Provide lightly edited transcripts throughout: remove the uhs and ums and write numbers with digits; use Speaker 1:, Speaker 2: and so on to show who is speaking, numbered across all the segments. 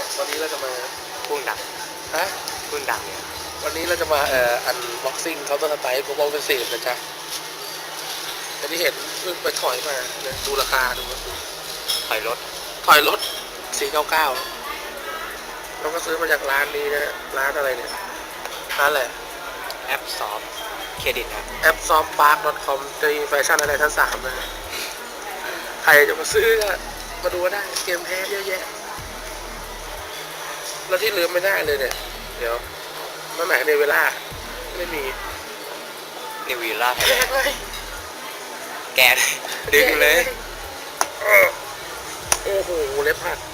Speaker 1: วันนี้เราจะมา
Speaker 2: พุ่งดัง
Speaker 1: ฮะ
Speaker 2: พุ่งดังเนี่ย
Speaker 1: วันนี้เราจะมาอันบ็อกซิ่งเขาน์เตอร์สไตล์ผมมองเป็นสีนะจ๊ะอันนี้เห็นเพิ่งไปถอยมาเนี่ยดูราคาดู
Speaker 2: ถอยรถ
Speaker 1: 499เราก็ซื้อมาจากร้านนี้นะร้านอะไรเนี่ยร้านอะไร
Speaker 2: แอปซอฟเครดิตครับ
Speaker 1: แอป softpark.com จะมีแฟชั่นอะไรทั้ง3นะใครจะมาซื้อก็มาดูก็ได้เกมแพ้เยอะแยะแล้วที่ลืมไม่ได้เลยเนี่ยเดี๋ยวมาไหนในเวลาไม่มี
Speaker 2: นิวิล่าไทย
Speaker 1: แก
Speaker 2: แลนด์
Speaker 1: เลย
Speaker 2: แกนดึงเลย
Speaker 1: โอ้โหเล็บหัก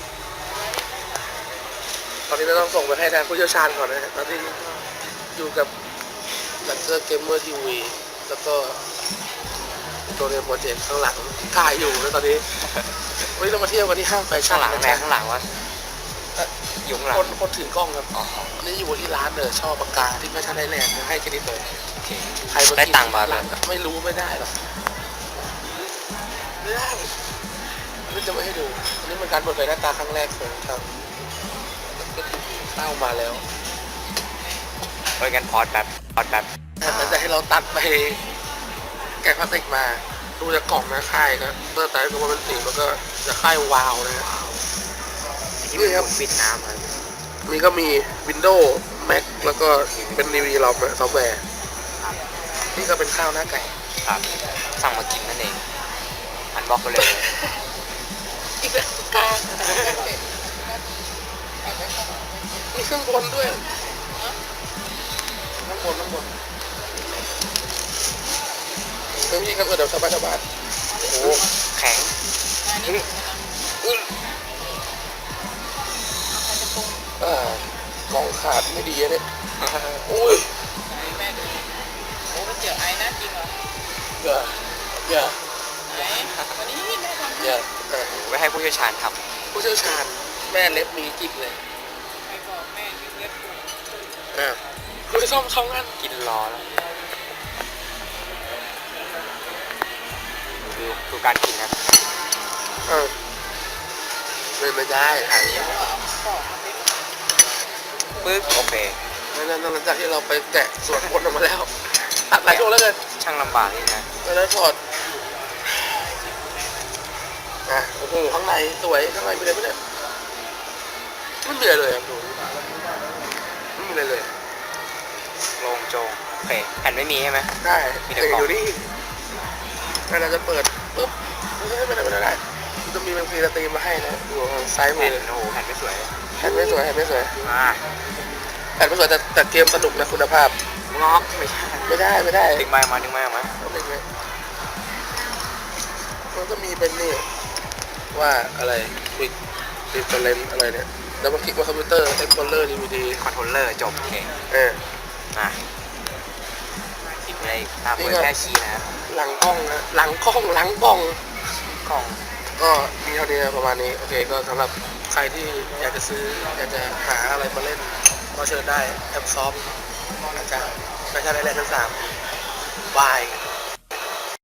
Speaker 1: ตอนนี้เราต้องส่งไปให้ทางผู้เชี่ยวชาญก่อนนะฮะตอนนี้อยู่กับลันเซอร์เกมเมอร์ทีวีแล้วก็ตัวเรียนโปรเจกต์ข้างหลังถ่ายอยู่นะตอนนี้วันนี้เรามาเที่ยวกันที่ห้างแฟชั่
Speaker 2: ข้าน งหลัง
Speaker 1: นะ
Speaker 2: แม่
Speaker 1: จ๊ะ
Speaker 2: ข้างหลังวะอยู่ข้างหลัง
Speaker 1: คนถือกล้องครับนี่อยู่ที่ร้านเลยชอบปากกาที่แฟชั่นไทยแลนด์ให้แค่นี้เลย
Speaker 2: โอเค
Speaker 1: ใครมา
Speaker 2: ได้
Speaker 1: กิน
Speaker 2: ตังค์มาแล้ว
Speaker 1: ไม่รู้ไม่ได้หรอกไม่ได้อันนี้จะไม่ให้ดูอันนี้เป็นการเปิดเผยหน้าตาครั้งแรกของทางเข้ามาแล้ว
Speaker 2: เอ้ยงั้นพอดแบบ
Speaker 1: แต่จะให้เราตัดไปแกะพลาสติกมาดูจากกล่องนะค่ายนะเปิดแต่ก็ว่าเป็นสีมันก็จะค่ายวาวนะ
Speaker 2: ที่มันครับปิดน้ำครับ
Speaker 1: มีก็มี Windows Mac แล้วก็เป็น NVIDIA ซอฟต์แวร์นี่ก็เป็นข้าวหน้าไก่
Speaker 2: ครับสั่งมากินนั่นเองหันบล็อกไปเลย
Speaker 1: อีกแล้วกามีเครื่องบนด้วยข้างบนเรื่องนี้ก็เดี๋ยวสบายๆ
Speaker 2: โอ้โหแข็ง
Speaker 1: กล่องขาดไม่ดีเนี่ยโอ้ย
Speaker 3: แม่ดูโอ้ก๋วยเตี๋ยวไอ้น่ากินเหรอ
Speaker 1: อย่า
Speaker 3: ไหนวันนี้แม่ทำให้
Speaker 1: อย่า
Speaker 2: ไว้ให้ผู้เชี่ยวชาญท
Speaker 1: ผู้เชี่ยวชาญแม่เล็บมีจิกเลย
Speaker 3: ไปบอกแม่ยืมเล็บกู
Speaker 1: คุณซ่อมสองอัน
Speaker 2: ำกินรอแล้วดูการกินนะ
Speaker 1: ไม่ได้อันนี้
Speaker 2: ปึ๊บโอเค
Speaker 1: นั่นหลังจากที่เราไปแกะส่วนบนออกมาแล้วตัดหลายช่วงแล้วกัน
Speaker 2: ช่างลำบากนี่นะ
Speaker 1: แล้วถอดโอ้โหข้างในสวยข้างในมีอะไรไหมเนี่ยไม่มีอะไรเลยครับดูไม่มีอะไรเลย
Speaker 2: โลงโจงโอเคแผ่นไม่มีใช่ไหม
Speaker 1: ได้
Speaker 2: มีแต่
Speaker 1: แต่
Speaker 2: กล่อง
Speaker 1: อยู่นี่เราจะเปิดปุ๊บไม่ได้มันจะมีเป็นฟรีสตรีมมาให้นะดูทางซ้ายมื
Speaker 2: แผ่น
Speaker 1: อ
Speaker 2: โอ้โหแผ่นไม่สวย
Speaker 1: แผ่นไม่สวย
Speaker 2: อ่า
Speaker 1: แผ่นไม่สวยแต่เกมสนุกนะคุณภาพ
Speaker 2: งอกไม่ใช่
Speaker 1: ไม่ได้
Speaker 2: ดึงไม้ออกมา
Speaker 1: ต้องเป็นไงมันก็มีเป็นนี่ว่าอะไรควิกดิฟเฟอเรนอะไรเนี่ยแล้วมันคลิกว่าคอมพิวเตอร์เอ็กซ์พอลเลอร์ดีวีดี
Speaker 2: คอนโทรลเลอร์จบโอเค อ่ะติดไปตามเผยแพร่ชี้นะ
Speaker 1: หลังกล้องกล้อง
Speaker 2: กล่อง
Speaker 1: ก็มีเท่านี้ประมาณนี้โอเคก็สำหรับใครที่อยากจะซื้ออยากจะหาอะไรมาเล่นก็เชิญได้แอปซอฟนะจ๊ะแฟชั่นไอแลนด์ทั้ง3บาย